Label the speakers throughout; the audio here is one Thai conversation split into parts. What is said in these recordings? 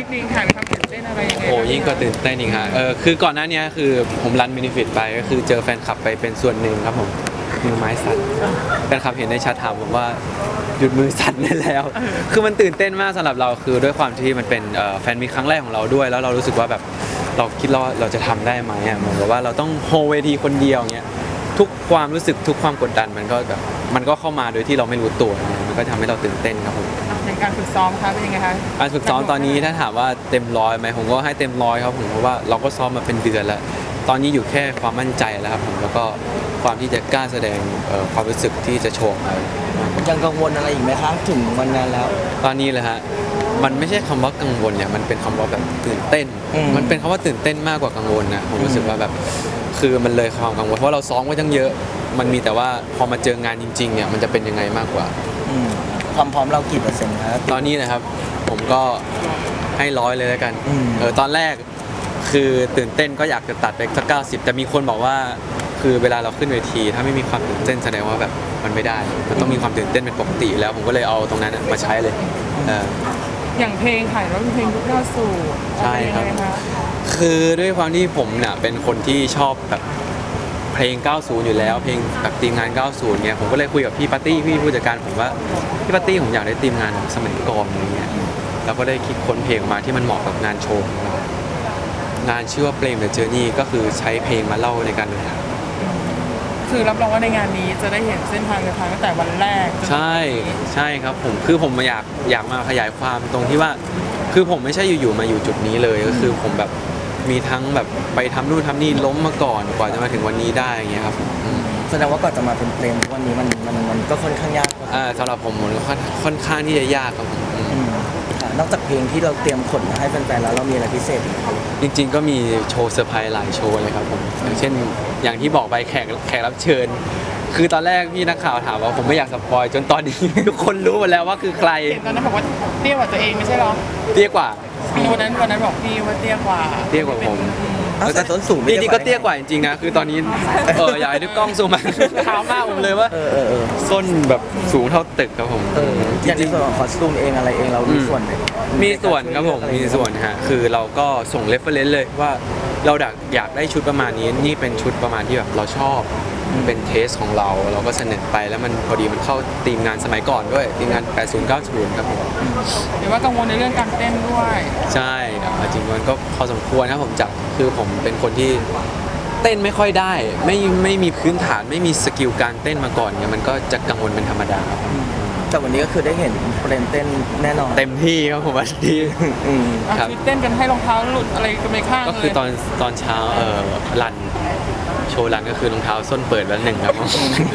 Speaker 1: นิดนึงค่ะมีความตื่นเต้นอะไรยังไง
Speaker 2: โอ้ยิ่งกว่าตื่นเต้นอีกฮะคือก่อนหน้านี้คือผมรันมินิฟิตไปก็คือเจอแฟนคลับไปเป็นส่วนหนึ่งครับผมมือไม้สั่นแฟนคลับเห็นในแชทถามผมว่าหยุดมือสั่นได้แล้ว คือมันตื่นเต้นมากสำหรับเราคือด้วยความที่มันเป็นแฟนมีครั้งแรกของเราด้วยแล้วเรารู้สึกว่าแบบเราคิดว่าเราจะทำได้ไหมอ่ะเหมือนกับว่าเราต้องโฮเวทีคนเดียวเงี้ยทุกความรู้สึกทุกความกดดันมันก็แบบมันก็เข้ามาโดยที่เราไม่รู้ตัวมันก็ทำให้เราตื่นเต้นครับผม
Speaker 1: ในการฝึกซ้อมคะเป็นยังไงคะ
Speaker 2: การฝึกซ้อมตอนนี้ถ้าถามว่าเต็มร้อยไหมผมก็ให้เต็มร้อยครับผมเพราะว่าเราก็ซ้อมมาเป็นเดือนแล้วตอนนี้อยู่แค่ความมั่นใจแล้วครับผมแล้วก็ความที่จะกล้าแสดงความรู้สึกที่จะโชว์ไป
Speaker 3: ยังกังวลอะไรอีกไหมคะถึงวันนั้นแล้ว
Speaker 2: ตอนนี้เลยฮะมันไม่ใช่คำว่ากังวลเนี่ยมันเป็นคำว่าแบบตื่นเต้น มันเป็นคำว่าตื่นเต้นมากกว่ากังวลนะผมรู้สึกว่าแบบคือมันเลยความกังวลเพราะเราซ้อมไว้ตั้งเยอะ มันมีแต่ว่าพอมาเจองานจริงๆเนี่ยมันจะเป็นยังไงมากกว่า
Speaker 3: ความพร้อมเรากี่เปอร์เซ็นต์ครับ
Speaker 2: ตอนนี้นะครับผมก็ให้ร้อยเลยแล้วกัน
Speaker 3: อืม
Speaker 2: ตอนแรกคือตื่นเต้นก็อยากจะตัดไปสัก90แต่มีคนบอกว่าคือเวลาเราขึ้นเวที ถ้าไม่มีความตื่นเต้นแสดงว่าแบบมันไม่ได้ มันต้องมีความตื่นเต้นเป็นปกติแล้วผมก็เลยเอาตรงนั้นมาใช้เลยเออ
Speaker 1: อย่างเพลงค่ะแล้วเป็นเพลงยุค90
Speaker 2: ใช่ครับ
Speaker 1: เป็นยังไงคะ
Speaker 2: คือด้วยความที่ผมเนี่ยเป็นคนที่ชอบแบบเพลง 90 อยู่แล้ว เพลงแบบทีมงาน 90 เนี่ยผมก็เลยคุยกับพี่ปาร์ตี้พี่ผู้จัดการผมว่าพี่ปาร์ตี้ผมอยากได้ทีมงานแบบสมัยก่อนอะไรเงี้ยแล้วก็ได้คิดค้นเพลงออกมาที่มันเหมาะกับงานโชว์ของเรางานชื่อว่าเพลง The Journey ก็คือใช้เพลงมาเล่าในการเดินทาง
Speaker 1: คือรับรองว่าในงานนี้จะได้เห็นเส้นทางเดินทางตั้งแต่วันแรกจนถึง
Speaker 2: ใช่ใช่ครับผมคือผมอยากมาขยายความตรงที่ว่า คือผมไม่ใช่อยู่ๆมาอยู่จุดนี้เลยก็คือผมแบบมีทั้งแบบไปทำนู่นทำนี่ล้มมาก่อนกว่าจะมาถึงวันนี้ได้อย่างเงี้ยครับอืม
Speaker 3: แสดงว่าก่อนจะมาเป็นเพลงวันนี้มันก็ค่อนข้างยาก
Speaker 2: สำหรับผมมันค่อนข้างที่จะยากครับผม
Speaker 3: ค่ะนอกจากเพลงที่เราเตรียมขนมาให้แฟนๆแล้วเรามีอะไรพิเศษอีกไหมครับ
Speaker 2: จริงๆก็มีโชว์เซอร์ไพรส์หลายโชว์เลยครับผมอย่างเช่นอย่างที่บอกไปแขกรับเชิญ คือตอนแรกพี่นักข่าวถามว่าผมไม่อยากสปอยจนตอนนี้ ทุกคนรู้หมดแล้วว่าคือใคร
Speaker 1: เห็นตอนนั้นบอกว่าเตี้ยกว่าตัวเองไม่ใช่หรอ
Speaker 2: เตี้ยกว่า
Speaker 1: วันนั้นบอกพี่ว่าเตี้ยกว่า
Speaker 2: เตี้ยกว่าผม
Speaker 3: เอาแต่ต้นสูง
Speaker 2: จริงๆก็เตี้ยกว่าจริงๆนะคือตอนนี้อยากให้ดูกล้องซูมมาเท้ามากผมเลยว่า ส้นแบบสูงเท่าตึกครับผม
Speaker 3: อย่างที่ส่วนของคอสตูมเองอะไรเองเรามีส่วนไหม
Speaker 2: มีส่วนครับผมมีส่วนฮะคือเราก็ส่งเรฟเฟอเรนซ์เลยว่าเราอยากได้ชุดประมาณนี้นี่เป็นชุดประมาณที่แบบเราชอบเป็นเทสของเราก็เสนอไปแล้วมันพอดีมันเข้าทีมงานสมัยก่อนด้วยทีมงาน 80 90 ครับผม
Speaker 1: หรือว่ากังวลในเรื่องการเต้นด้วย
Speaker 2: ใช่จริงๆมันก็พอสมควรนะผมจับคือผมเป็นคนที่เต้นไม่ค่อยได้ไม่มีพื้นฐานไม่มีสกิลการเต้นมาก่อนเนี่ยมันก็จะกังวลเป็นธรรมดาครับ
Speaker 3: แต่วันนี้ก็คือได้เห็นเพลงเต้นแน่นอน
Speaker 2: เต็มที่ครับผมวันนี้ ครับ
Speaker 1: คือเต้นกันให้รองเท้าหลุดอะไรกันไปข้างเลย
Speaker 2: ก็คือตอนเช้ารันโชว์รันก็คือรองเท้าส้นเปิดแล้วหนึ่งครับผม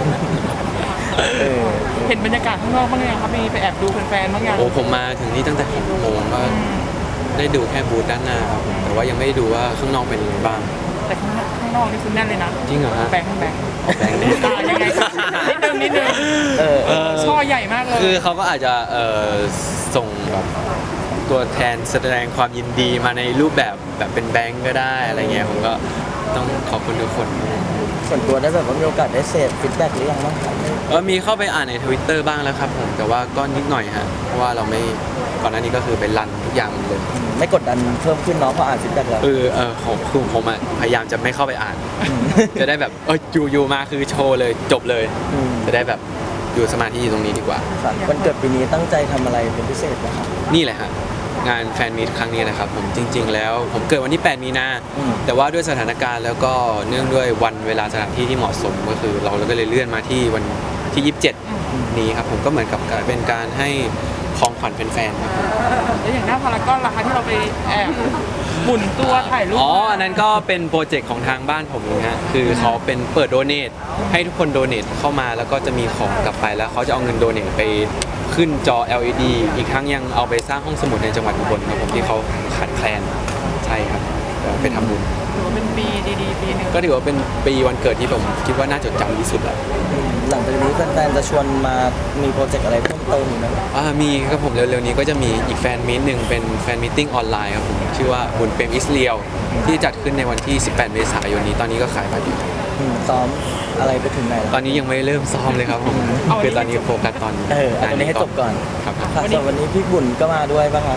Speaker 1: เห็นบรรยากาศข้างนอกบ้างยังครับมีไปแอบดูแฟนๆบ้างยัง
Speaker 2: โอ้ผมมาถึงนี่ตั้งแต่6 โมงก็ได้ดูแค่บูธด้านหน้าครับผมแต่ว่ายังไม่ได้ดูว่าข้างนอกเป็นยังไงบ้าง
Speaker 1: แต่ข้างนอกนี่คือแน่นเลยนะ
Speaker 2: จริงเหรอฮะ
Speaker 1: แบงค์
Speaker 2: แบงค์นี่
Speaker 1: ยังไงครับนิดนึงช่อใหญ่มากเลย
Speaker 2: คือเขาก็อาจจะส่งแบบตัวแทนแสดงความยินดีมาในรูปแบบเป็นแบงค์ก็ได้อะไรเงี้ยผมก็ต้องขอบคุณทุกคน
Speaker 3: ส่วนตัวได้แบบว่ามีโอกาสได้เสพฟีดแบ็กหรือยังบ้างครับ
Speaker 2: มีเข้าไปอ่านใน Twitter บ้างแล้วครับผมแต่ว่าก็นิดหน่อยฮะเพราะว่าเราไม่ก่อนหน้านี้ก็คือเป็นรันทุกอย่างหมดเลย
Speaker 3: ไม่กดดันเพิ่มขึ้นเนาะพออ่านฟีดแบ็กแล้ว
Speaker 2: ผมอะพยายามจะไม่เข้าไปอ่าน จะได้แบบอยู่มาคือโชว์เลยจบเลย จะได้แบบอยู่สมาธิอยู่ตรงนี้ดีกว่า
Speaker 3: ครับวันเกิดปีนี้ตั้งใจทำอะไรเป็นพิเศษนะครับ
Speaker 2: นี่แหละฮะงานแฟนมีตครั้งนี้นะครับผมจริง ๆ แล้วผมเกิดวันที่ 8 มีนา แต่ว่าด้วยสถานการณ์แล้วก็เนื่องด้วยวันเวลาสถานที่ที่เหมาะสมก็คือเราก็เลยเลื่อนมาที่วันที่ 27 นี้ครับผมก็เหมือนกับเป็นการให้ของขวัญแฟนๆครับผม
Speaker 1: แล้วอย่างหน้าพารากอนล่ะคะที่เราไปแอบหมุนตัวถ่ายรูป
Speaker 2: อันนั้นก็เป็นโปรเจกต์ของทางบ้านผมเองฮะคือเขาเป็นเปิดโดเนทให้ทุกคนโดเนทเข้ามาแล้วก็จะมีของกลับไปแล้วเขาจะเอาเงินโดเนทไปขึ้นจอ LED อีกครั้งยังเอาไปสร้างห้องสมุดในจังหวัดอุบลครับผมที่เขาขาดแคลนใช่ครับไปทำบุญ
Speaker 1: ถือว่าเป็นปีดีๆปีหนึ่ง
Speaker 2: ก็ถือว่าเป็นปีวันเกิดที่ผมคิดว่าน่าจดจำที่สุดแหละ
Speaker 3: หลังจากนี้แฟนๆจะชวนมามีโปรเจกต์อะไรเพิ่มเติมอีกไหม
Speaker 2: มีครับผมเร็วๆนี้ก็จะมีอีกแฟนมีตหนึ่งเป็นแฟนมีตติ้งออนไลน์ครับผมชื่อว่าบุญเปรมอิสเรียลที่จัดขึ้นในวันที่ 18 เมษายนนี้ตอนนี้ก็ขายบัตรอยู่
Speaker 3: ซ้อมอะไรไปถึงไหนแล้ว
Speaker 2: ตอนนี้ยังไม่เริ่มซ้อมเลยครับผมคือตอนนี้โฟกัสตอน
Speaker 3: เอาตัวนี้ให้จบก่อน
Speaker 2: ครับ
Speaker 3: ค่ะส่วนวันนี้พี่บุญก็มาด้วยป่ะครับ
Speaker 1: ม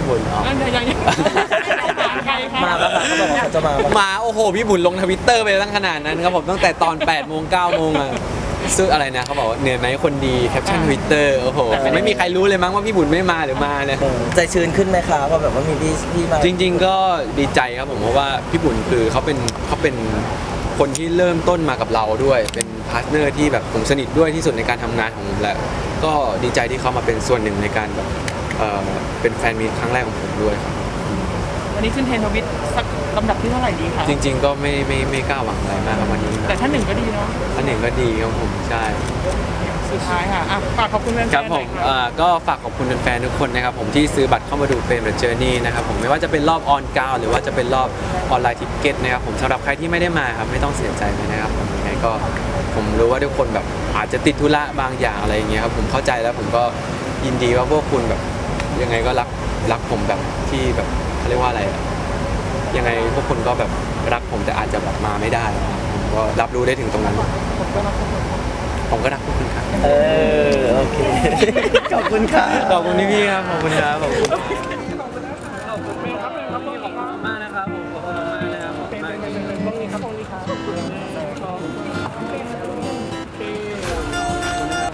Speaker 2: พี่บุญอ๋อ
Speaker 1: นั่นยังใครคะ
Speaker 3: มาปะคะเขาบอกว่าเขาจะมาปะ
Speaker 2: มาโอ้โหพี่บุญลงทวิตเตอร์ไปตั้งขนาดนั้นครับผมตั้งแต่ตอน8 โมง 9 โมงอะซึ่งอะไรนะเขาบอกว่าเหนื่อยไหมคนดีแคปชั่นทวิตเตอร์โอ้โหไม่มีใครรู้เลยมั้งว่าพี่บุญไม่มาหรือมาเนี่ย
Speaker 3: ใจชื้นขึ้นไหมคะเพราะแบบว่ามีพี่มา
Speaker 2: จริงๆก็ดีใจครับผมเพราะว่าพี่บุญคือเขาเป็นคนที่เริ่มต้นมากับเราด้วย เป็นพาร์ทเนอร์ที่แบบผมสนิทด้วยที่สุดในการทำงานของผมแล้วก็ดีใจที่เขามาเป็นส่วนหนึ่งในการแบบเป็นแฟนมีตครั้งแรกของผมด้วยครับ
Speaker 1: วันนี้ขึ้นเทรนด์ทวิตสักลำดับที่เท่าไหร่ดีคะ
Speaker 2: จริง ๆ ก็ไม่กล้าหวังอะไรมากครับวันนี้
Speaker 1: แต่ถ้าหนึ่งก็ดีเนาะ
Speaker 2: อันหนึ่งก็ดีครับผมใช่
Speaker 1: สุดท้ายค่ะอ่ะฝากขอบคุณแฟนๆ
Speaker 2: ครับผม
Speaker 1: หน่อยค่ะ
Speaker 2: ก็ฝากขอบคุณแฟนๆทุกคนนะครับผมที่ซื้อบัตรเข้ามาดูเฟรมเดอะเจอร์นี่นะครับผมไม่ว่าจะเป็นรอบออนกราวหรือว่าจะเป็นรอบออนไลน์ทิเก็ตนะครับผมสำหรับใครที่ไม่ได้มาครับไม่ต้องเสียใจเลยนะครับผมยังไงก็ผมรู้ว่าทุกคนแบบอาจจะติดธุระบางอย่างอะไรอย่างเงี้ยครับผมเข้าใจแล้วผมก็ยินดีว่าพวกคุณแบบยังไงก็รักผมแบบที่แบบเขาเรียกว่าอะไรอะยังไงพวกคุณก็แบบรักผมแต่อาจจะแบบมาไม่ได้ผมก็รับรู้ได้ถึงตรงนั้น
Speaker 1: ผมก็รักทุกคน
Speaker 2: ผมก็รักพวกคุณครับ
Speaker 3: โอเค ขอบคุณค่ะ
Speaker 2: ขอบคุณพี่ๆครับ ขอบคุณครับ ขอบคุณ
Speaker 1: ขอบคุณครับขอบคุณครับ
Speaker 2: มากนะครับผม